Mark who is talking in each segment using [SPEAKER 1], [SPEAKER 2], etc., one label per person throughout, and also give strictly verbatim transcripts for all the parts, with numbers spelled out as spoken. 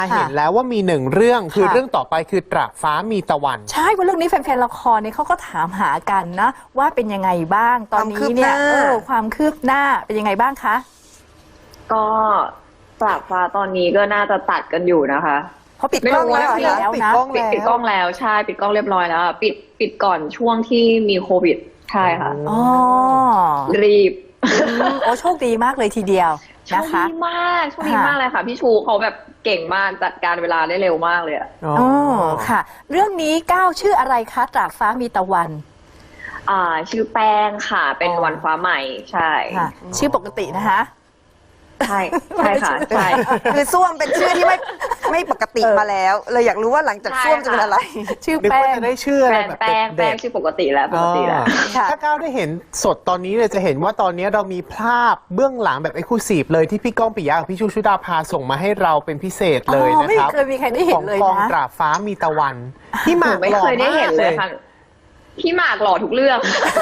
[SPEAKER 1] เห็นแล้วว่ามีหนึ่งเรื่องคือเรื่องต่อไปคือตรากฟ้ามีตะวัน
[SPEAKER 2] ใช่ว่าเรื่องนี้แฟนๆละครเนี่ยเขาก็ถามหากันนะว่าเป็นยังไงบ้างตอนนี้เนี่ยเออความคืบหน้าเป็นยังไงบ้างคะ
[SPEAKER 3] ก็ตรากฟ้าตอนนี้ก็น่าจะตัดกันอยู่นะคะ
[SPEAKER 2] เพราะปิดกล้องแล้วแล้วนะ
[SPEAKER 3] ปิดปิดกล้องแล้วใช่ปิดกล้องเรียบร้อยแล้วปิดปิดก่อนช่วงที่มีโควิดใช่ค่ะ
[SPEAKER 2] อ๋อ
[SPEAKER 3] รีบ
[SPEAKER 2] โอ้โชคดีมากเลยทีเดียวนะคะ
[SPEAKER 3] โชคดีมากโชคดีมากเลยค่ะพี่ชูเขาแบบเก่งมากจัดการเวลาได้เร็วมากเลยอ่ะ
[SPEAKER 2] อ๋อค่ะเรื่องนี้ก้าวชื่ออะไรคะตรากฟ้ามีตะวัน
[SPEAKER 3] อ่าชื่อแป้งค่ะเป็นวันฟ้าใหม่ใช่
[SPEAKER 2] ค่ะชื่อปกตินะคะ
[SPEAKER 3] ใช่ใช่ค่ะใช่
[SPEAKER 4] คือส้วมเป็นชื่อที่ไม่ไม่ปกติมาแล้วเลยอยากรู้ว่าหลังจากส้วมจะเป็นอะไร
[SPEAKER 2] ชื่อแป้ง
[SPEAKER 1] จะได้ชื่ออะไรแบบ
[SPEAKER 3] แป้งแป้งชื่อปกติแล้วปกติแล้ว
[SPEAKER 1] ถ้าก้าวได้เห็นสดตอนนี้เลยจะเห็นว่าตอนนี้เรามีภาพเบื้องหลังแบบเอ็กซ์คลูซีฟเลยที่พี่ก้องปิยะกับพี่ชูชุดาภาส่งมาให้เราเป็นพิเศษเลยนะครับ
[SPEAKER 2] ไม่เคยมีใครได้เห็นเลยนะ
[SPEAKER 1] ของกองตรากฟ้ามีตะวันพี่หมาก
[SPEAKER 3] ไม่เคยได้เห็นเลยค่ะพี่หมากหล่อทุกเรื่อง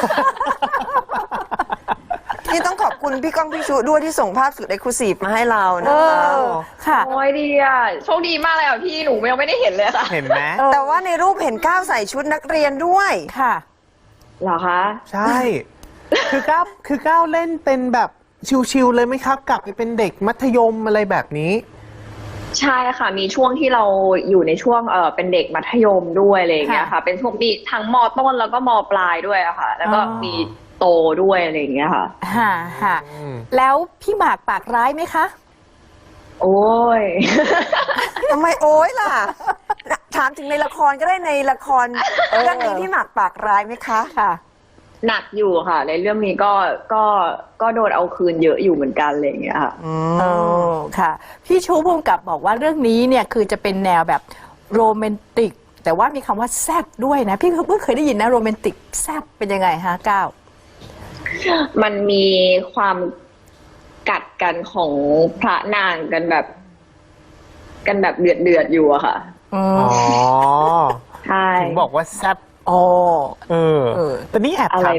[SPEAKER 4] นี่ต้องขอบคุณพี่ก้องพี่ชูด้วยที่ส่งภาพสุดเอ็กซ์คลูซีฟมาให้เรานะคะ
[SPEAKER 2] ค่ะ
[SPEAKER 3] โอ้ยดีอ่ะโชคดีมากเลยอ่ะพี่หนูยังไม่ได้เห็นเลยค่ะ
[SPEAKER 1] เห็นไหม
[SPEAKER 4] แต่ว่าในรูปเห็นก้าวใส่ชุดนักเรียนด้วย
[SPEAKER 2] ค่ะ
[SPEAKER 3] เหรอคะ
[SPEAKER 1] ใช่คือก้าวคือก้าวเล่นเป็นแบบชิวๆเลยไหมครับกลับไปเป็นเด็กมัธยมอะไรแบบนี้
[SPEAKER 3] ใช่ค่ะมีช่วงที่เราอยู่ในช่วงเออเป็นเด็กมัธยมด้วยอะไรอย่างเงี้ยค่ะเป็นช่วงที่ทั้งม.ต้นแล้วก็ม.ปลายด้วยอะค่ะแล้วก็มีโตด้วยอะไรอย่างเงี้ยค่ะ
[SPEAKER 2] ค่ะค่ะแล้วพี่หมากปากร้ายไหมคะ
[SPEAKER 3] โอ้ย
[SPEAKER 4] ทำไมโอ้ยล่ะถามถึงในละครก็ได้ในละครเรื่องนี้พี่หมากปากร้ายไหมคะ
[SPEAKER 2] ค่ะ
[SPEAKER 3] หนักอยู่ค่ะในเรื่องนี้ก็ก็ก็โดนเอาคืนเยอะอยู่เหมือนกันอะไรอย่างเงี้ยค่ะ
[SPEAKER 2] อ๋อค่ะพี่ชูภูมิกับบอกว่าเรื่องนี้เนี่ยคือจะเป็นแนวแบบโรแมนติกแต่ว่ามีคำว่าแซบด้วยนะพี่เพิ่งเคยได้ยินนะโรแมนติกแซบเป็นยังไงฮะก้าว
[SPEAKER 3] มันมีความกัดกันของพระนางกันแบบกันแบบเดือดเดือดอยู่อะค่ะ
[SPEAKER 1] อ๋อ
[SPEAKER 3] ใช่
[SPEAKER 1] ถึงบอกว่าแซบ
[SPEAKER 2] อ๋อ
[SPEAKER 1] เออแต่นี่แอบถาม